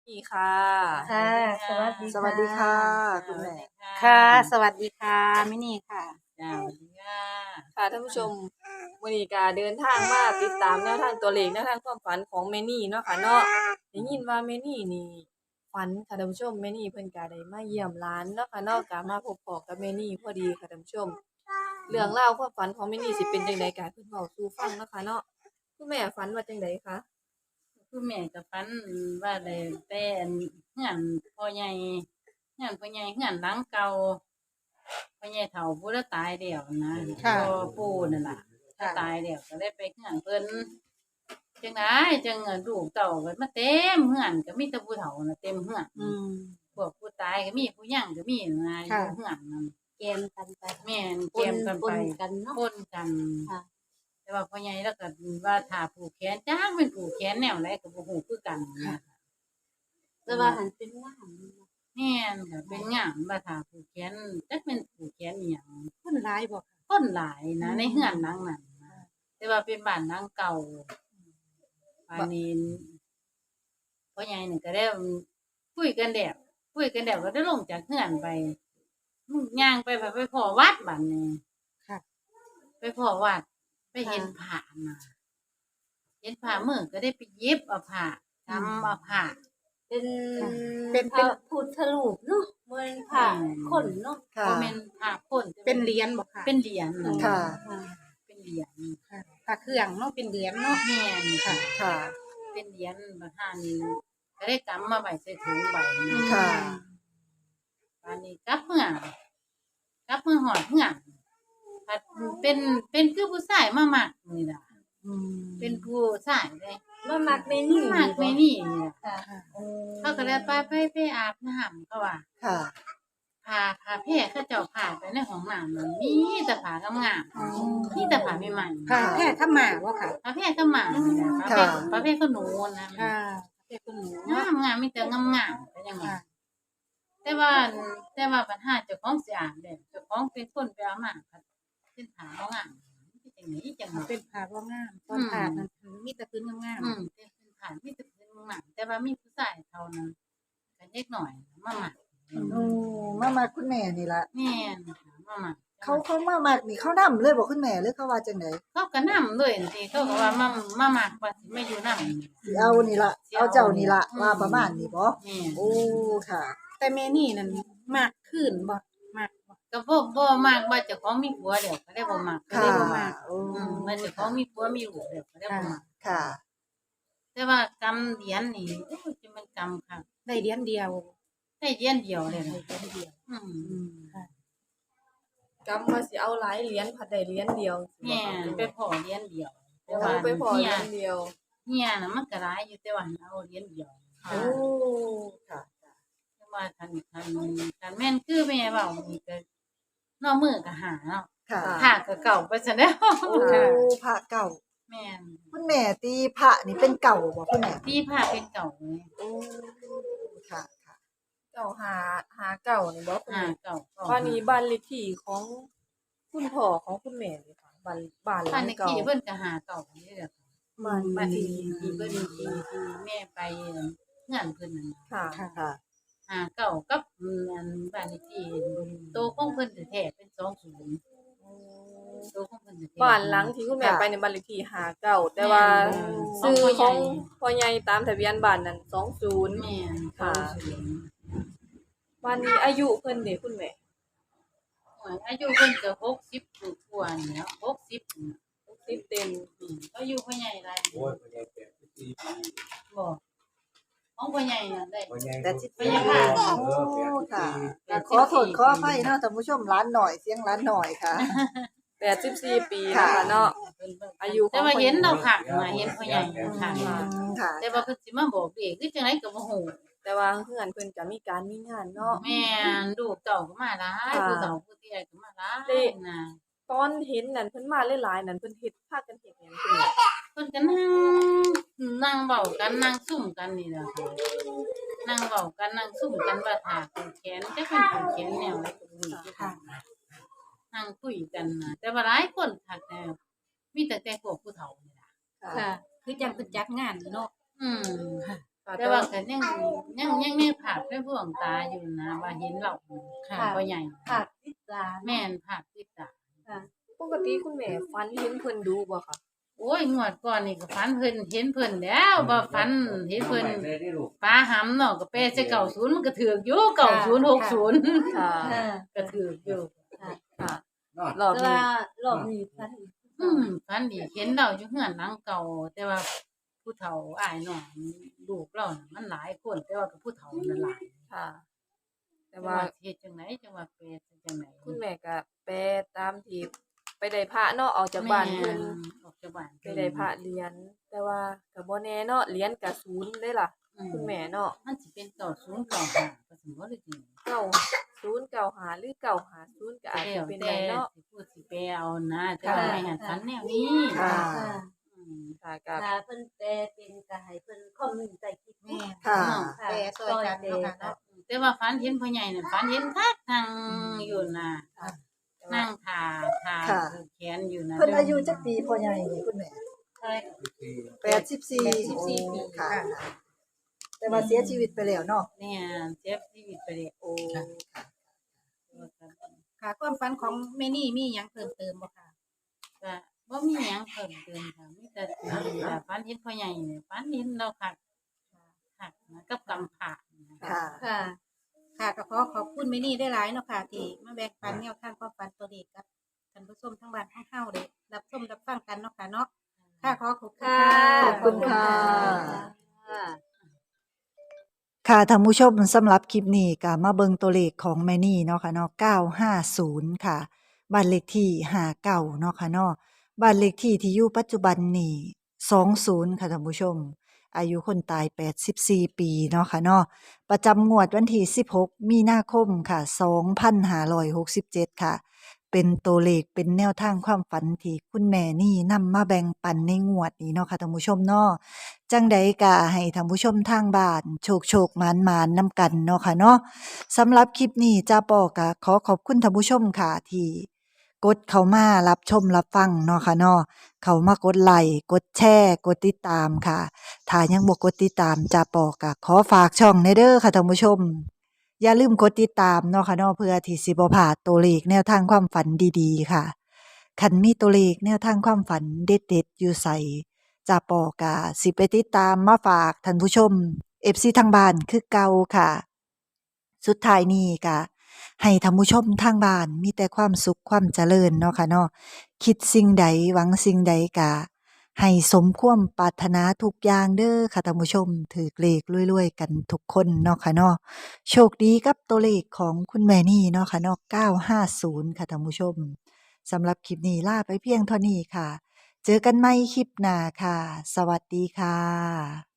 ดีค่ะค่ะสวัสดีค่ะคุณแม่ค่ะสวัสดีค่ะมินี่ค่ะจ้าสวัสดีค่ะค่ะท่านผู้ชมมื้อนี้ก็เดินทางมาติดตามแนวทางตัวเลขแนวทางความฝันของแม่นี่เนาะค่ะเนาะได้ยินว่าแม่นี่นี่ฝันค่ะท่านผู้ชมแม่นี่เพิ่นก็ได้มาเยี่ยมหลานเนาะค่ะเนาะก็มาพบพ้อกับแม่นี่พอดีค่ะท่านผู้ชมเรื่องราวความฝันของแม่นี่สิเป็นจังไดก็ให้เพิ่นเว้าสู่ฟังเนาะค่ะเนาะคุณแม่ฝันว่าจังไดคะคือแม่กับฟันว่าได้แต่เฮือนพ่อใหญ่เฮือนพ่อใหญ่เฮือนหลังเก่าพ่อใหญ่เฒ่าผู้ละตายแล้วนะพ่อปู่นั่นล่ะถ้าตายแล้วก็ได้ไปเฮือนเพิ่นจังไดจังลูกเต้าก็มาเต็มเฮือนก็มีแต่ผู้เฒ่าน่ะเต็มเฮือนพวกผู้ตายก็มีผู้ยังก็มีนะอยู่เฮือนนั่นเกมกันไปแม่นเกมกันไปปนกันเนาะปนกันค่ะแต่ว่าพ่อใหญ่แล้วก็ว่าถ้าผูกแขนจ้างเป็นผูกแขนแนวไหนก็บ่ฮู้คือกันนะแต่ว่าหันเป็นงามแม่นค่ะเป็นงามว่าถ้าผูกแขนจักเป็นผูกแขนอีหยังคนร้ายบอกค่ะคนหลายนะในเฮือนหลังนั้นนะแต่ว่าเป็นบ้านหลังเก่าบ้านนี้พ่อใหญ่นี่ก็ได้คุยกันแล้วก็ได้ลงจากเฮือนไปย่างไปพ้อวัดบัดนี้ค่ะไปพ้อวัดไปเห็นพระน่ะเห็นพระมื้อก็ได้ไปเย็บเอาผ้าทำเอาผ้าเป็นเป็นพระพุทธรูปเนาะเหมือนผ่าคนเนาะค่ะบ่แม่นผ้าคนเป็นเหรียญบอกค่ะเป็นเหรียญน่ะค่ะเป็นเหรียญค่ะพระเครื่องเนาะเป็นเหรียญเนาะแม่นค่ะค่ะเป็นเหรียญบัดหานี้ก็ได้กำมาไว้ใส่ถุงใบนะค่ะอันนี้กลับเมื่อหอดเมื่อผัดเป็นคือผู้ชายมามักนี่ล่ะเป็นผู้ชายเลยมามักในนี่มักไม่นี่นี่ล่ะค่ะเขาก็เลยไปอาบน้ำก็ว่าค่ะผ้าแพร่เขาเจ้าผ้าไปในห้องน้ำมันมีแต่ผ้างามๆมีแต่ผ้าใหม่ๆพระแพร่ข้ามาว่าค่ะผ้าแพร่ก็หมาเนี่ยผ้าแพร่ก็หนูนะค่ะพระแพร่คนหนูงามมีแต่งามๆก็ยังว่าค่ะแต่ว่าปัญหาเจ้าของสิอาบเด้เจ้าของเป็นคนไปเอามาเป็นผ้าบ่งามเป็นจังได๋จังว่าเป็นผ้าว่างามตอนผ้านั้นมีแต่พื้นงามเป็นผ้ามีแต่เป็นงามแต่ว่ามีผู้ชายเท่านั้นก็เล็กหน่อยมามักโอ้มาคุณแม่นี่ล่ะแม่นมามักเขามามักนี่เขานำเลยบ่คุณแม่หรือเขาว่าจังได๋เขาก็นำเลยสิเขาก็ว่ามามักว่าสิมาอยู่นำสิเอานี่ล่ะเอาเจ้านี่ล่ะว่าประมาณนี้บ่แม่โอ้ค่ะๆแต่แม่นี่นั่นมากขึ้นบ่มากบ่ก็บ่มักว่าเจ้าของมีผัวเดี๋ยวก็ได้บ่มักค่ะ โอ้ว่าเจ้าของมีผัวมีลูกเดี๋ยวก็ได้บ่มักค่ะแต่ว่ากำเหรียญนี่โอ้ยจะมันกำค่ะได้เหรียญเดียวได้เหรียญเดียวเลยได้นะเหรียญเดียว ค่ะกำว่าสิเอาหลายเหรียญผัดได้เหรียญเดียวแม่ไปพอเหรียญเดียวแต่เอาว่าไปพอเหเฮีรียยญเดียวเฮียน่ะมันก็หลายอยู่แต่ว่าเอาเหรียญเดียวค่ะโอ้ค่ะแต่ว่าคันแม่นคือแม่เว้านี่ก็นอกมือก็หาเนาะค่ะหาก็เก่าไปซะแล้วโอ้พระเก่าแม่นคุณแม่ตีพระนี่เป็นเก่าบ่คุณแม่ที่ผ้าเป็นเก่าเลยโอ้ค่ะค่ะเก่าหาเก่านี่บ่คุณหาแม่เก่าบ้านนี้บ้านเลขที่ของคุณพ่อของคุณแม่นี่ค่ะบ้านหลับ้านงในเก่าที่เพิ่นก็หาเก่านี่แหละค่ะมันที่เพิ่นที่แม่ไปงานเพิ่นนั่นน่ะค่ะค่ะหาเก่ากับอันบ้านเลขที่โตของเพิ่นแท้ๆเป็น20โตของเพิ่นแท้ๆบ้านหลังที่คุณแม่ค่ะไปในบ้านเลขที่หาเก่าแต่ว่าแม่นซื้อขขออง งพ่อใหญ่พ่อใหญ่ตามทะเบียนบ้านนั้น20 แม่นค่ะ บ้านนี้อายุเพิ่นเด้คุณแม่อายุเพิ่นก็60กว่าๆแล้ว60น่ะ 60เต็มอายุพ่อใหญ่หลายโอ้ยพ่อใหญ่84ปีบ่ของพ่อใหญ่น่ะได้พ่อใหญ่แต่สิพ่อใหญ่ค่ะโอ้ค่ะขอโทษขออภัยเนาะท่านผู้ชมร้านหน่อยเสียงร้านหน่อยค่ะ 84 ปีค่ะนะคะเนาะ อายุของแต่ว่าเห็นเราค่ะมาเห็นพ่อใหญ่ค่ะค่ะแต่ว่าเพิ่นสิมาบอกเด็กคือจังไดก็บ่ฮู้แต่ว่าเฮือนเพิ่นก็มีการมีงานเนาะแม่นลูกเต้าก็มาหลายค่ะผู้เฒ่าผู้เฒ่ก็มาหลายเด้น่ะตอนเห็นนั่นเพิ่นมาหลายๆนั่นเพิ่นเฮ็ดพากันเฮ็ดหยังคุณแม่เพิ่นก็นั่งเว้ากันนั่งซุ่มกันนี่ล่ะค่ะนั่งเว้ากันนั่งซุ่มกันว่าถ้าผูกแขนจักเพิ่นผูกแขนแนวใดก็บ่รู้คือกันนั่งคุยกันน่ะแต่ว่าหลายคนคักแน่มีแต่พวกผู้เฒ่านี่ล่ะค่ะ คือจังเพิ่นจัดงานเนาะอืมค่ะแต่ว่าก็ยังมีภาพในดวงตาอยู่นะว่าเห็นเราค่ะพ่อใหญ่ค่ะติดตาแม่นภาพติดตาค่ะปกติคุณแม่ฝันเห็นเพิ่นดูบ่คะโอ้ยงวดก่อนนี่ก็ฝันเพิ่นเห็นเพิ่นแล้วบ่ฝันเห็นเพิ่นปลาหำเนาะก็แปลใส่90มันก็ถูกอยู่9060 ค่ะค่ะก็ถูกอยู่ค่ะรอบแต่นี้ว่ารอบนี้พันฝันดีเห็นเราอยู่เฮือนหลังเก่า แต่ว่าผู้เฒ่าอ้ายน้องลูกเราน่ะมันหลายคนแต่ว่าก็ผู้เฒ่านั่นหลายค่ะ แต่แต่ว่าว่าเฮ็ดจังไดจังว่าแปลจังไดคุณแม่ก็แปลตามที่ไปได้พระเนาะออกจากบ้านเพิ่นออกจากบ้านไปได้พระเหรียญแต่ว่าก็บ่แน่เนาะเหรียญก็ศูนย์เด้ล่ะ คุณแม่เนาะมันสิเป็น9095ก็สมมุติว่าจริง 9095หรือ950ก็อาจจะเป็นได้เนาะสิพูดสิแปลเอานะแต่ว่าแม่หันฝันแนวนี้ค่ะค่ะอืมค่ะก็ถ้าเพิ่นแปลเป็นก็ให้เพิ่นคอมเมนต์ใต้คลิปนี้ค่ะแปลซอยกันเนาะค่ะเนาะแต่ว่าฝันเห็นพ่อใหญ่น่ะฝันเห็นคักทางอยู่น่ะแต่ว่านั่งทาค่ะผูกแขนอยู่นะเพิ่นอายุจักปีพ่อใหญ่นี่คุณแม่ใช่ 84 ปีค่ะ แต่ว่าเสียชีวิตไปแล้วเนาะเนี่ยเจ็บชีวิตไปเลยโอ้ค่ะความฝันของแม่นี่มีหยังเพิ่มเติมบ่ค่ะก็บ่มีหยังเพิ่มเติมค่ะมีแต่ฝันเห็นพ่อใหญ่เนี่ยฝันเห็นเราคักคักนะกับกำผาค่ะค่ะ ค่ะก็ขอบคุณแม่นี่ได้หลายเนาะค่ะที่มาแบ่งปันแนวทางความฝันตัวเลขกับท่านผู้ชมทั้งบ้านทั้งเฮาได้รับชมรับฟังกันเนาะค่ะเนาะค่ะขอบคุณค่ะขอบคุณค่ะค่ะค่ะท่านผู้ชมสำหรับคลิปนี้ก็มาเบิ่งตัวเลขของแม่นี่เนาะค่ะเนาะ950 ค่ะบ้านเลขที่59เนาะค่ะเนาะบ้านเลขที่ที่อยู่ปัจจุบันนี่20ค่ะท่านผู้ชม อายุคนตาย84 ปีเนาะค่ะเนาะประจำงวดวันที่16 มีนาคมค่ะ2567 ค่ะ เป็นตัวเลขเป็นแนวทางความฝันที่คุณแม่นี่นำมาแบ่งปันในงวดนี้เนาะค่ะท่านผู้ชมเนาะ จังใดก็ให้ท่านผู้ชมทางบ้านโชคหมานๆนำกันเนาะค่ะเนาะสำหรับคลิปนี้จ้าปอก็ขอขอบคุณท่านผู้ชมค่ะที่กดเข้ามารับชมรับฟังเนาะค่ะเนาะเข้ามากดไลค์กดแชร์กดติดตามค่ะถ้ายังบ่กดติดตามจ้าปอก็ขอฝากช่องในเด้อค่ะท่านผู้ชม อย่าลืมกดติดตามเนาะค่ะเนาะเพื่อที่สิบ่พลาดตัวเลขแนวทางความฝันดีๆค่ะคันมีตัวเลขแนวทางความฝันเด็ดๆอยู่ไส จ่าปอกะสิไปติดตามมาฝากท่านผู้ชม FC ทางบ้านคือเก่าค่ะ สุดท้ายนี้ก็ให้ท่านผู้ชมทางบ้านมีแต่ความสุขความเจริญเนาะค่ะเนาะคิดสิ่งใดหวังสิ่งใดก็ให้สมความปรารถนาทุกอย่างเด้อค่ะท่านผู้ชมถือเลขรวยๆกันทุกคนเนาะค่ะเนาะโชคดีกับตัวเลขของคุณแม่นี่เนาะค่ะเนาะ950ค่ะท่านผู้ชมสำหรับคลิปนี้ลาไปเพียงเท่านี้ค่ะ เจอกันใหม่คลิปหน้าค่ะ สวัสดีค่ะ